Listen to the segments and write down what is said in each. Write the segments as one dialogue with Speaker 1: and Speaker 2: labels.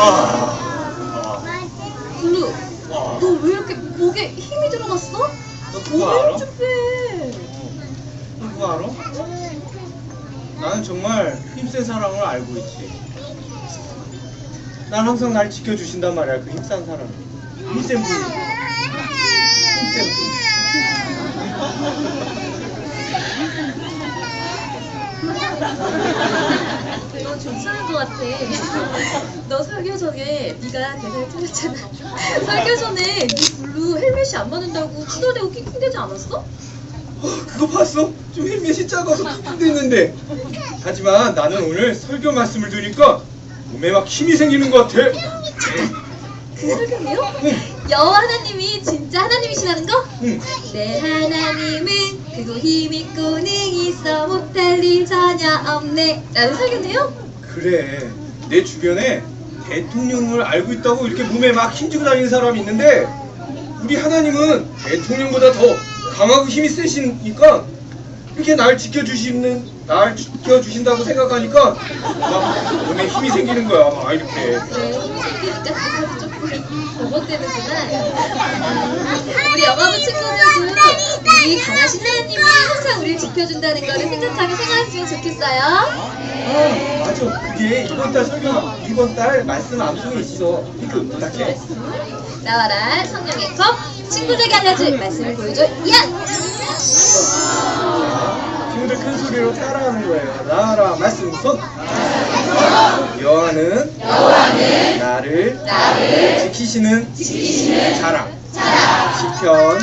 Speaker 1: 블루, 너 왜 이렇게 목에 힘이 들어갔어?
Speaker 2: 너 그거 알아?
Speaker 1: 몸을 좀 빼.
Speaker 2: 너 그거 알아? 나는 정말 힘센 사람을 알고 있지. 난 항상 날 지켜주신단 말이야. 그 힘센 사람. 힘센 분. 힘센 분.
Speaker 1: 너 괜찮은 것 같아. 너 설교 전에 네가 대사를 틀렸잖아. 설교 전에 네 블루 헬멧이 안 맞는다고 투덜대고 낑낑대지 않았어?
Speaker 2: 그거 봤어? 좀 헬멧이 작아서 툭툭 있는데. 하지만 나는 오늘 설교 말씀을 들으니까 몸에 막 힘이 생기는 것 같아.
Speaker 1: 그 설교네요?
Speaker 2: 응.
Speaker 1: 여호와 하나님이 진짜 하나님이시라는 거?
Speaker 2: 응.
Speaker 1: 내 하나님은 크고 힘있고 능이 있어 못할 일 전혀 없네 라는 설교네요?
Speaker 2: 그래. 내 주변에 대통령을 알고 있다고 이렇게 몸에 막 힘주고 다니는 사람이 있는데 우리 하나님은 대통령보다 더 강하고 힘이 세시니까 이렇게 날 지켜주신다고 생각하니까 막 몸에 힘이 생기는 거야. 막 이렇게.
Speaker 1: 그래 힘이 생기니까 그거도 조금 버벅대는구나. 우리 영화부 친구들도 우리 강하신 하나님이 항상 우리를 지켜준다는 거를 생각하며 생활했으면 좋겠어요.
Speaker 2: 맞아. 그게 이번 달 말씀 암송에 있어. 이거 부탁해.
Speaker 1: 나와라 성령의 컵 친구들에게 알려줄 말씀을 보여줘. 야!
Speaker 2: 친구들 큰 소리로 따라하는 거예요. 나와라 말씀 손. 여호와는 나를 지키시는 자랑. 시편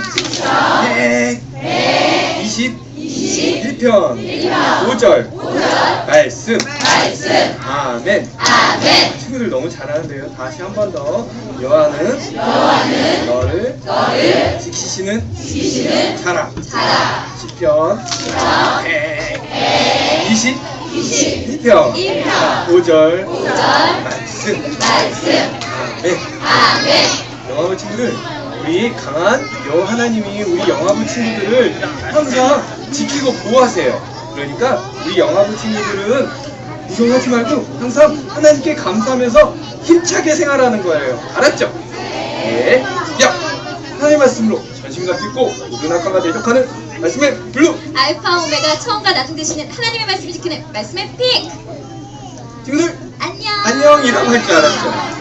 Speaker 2: 121편 5절 말씀. 아멘. 친구들 너무 잘하는데요. 다시 한 번 더. 여호와는 너를 지키시는 자랑. 시편 121편 5절 말씀. 아멘. 영화부 친구들, 우리 강한 여호와 하나님이 우리 영화부 친구들을 항상 지키고 보호하세요. 그러니까 우리 영화부 친구들은 무서워하지 말고 항상 하나님께 감사하면서 힘차게 생활하는 거예요. 알았죠? 네. 야! 하나님의 말씀으로 전신과 듣고 모든 악화가 대적하는 말씀의 블루!
Speaker 1: 알파 오메가 처음과 나중 되시는 하나님의 말씀을 지키는 말씀의 픽!
Speaker 2: 친구들
Speaker 1: 안녕!
Speaker 2: 안녕이라고 할 줄 알았죠?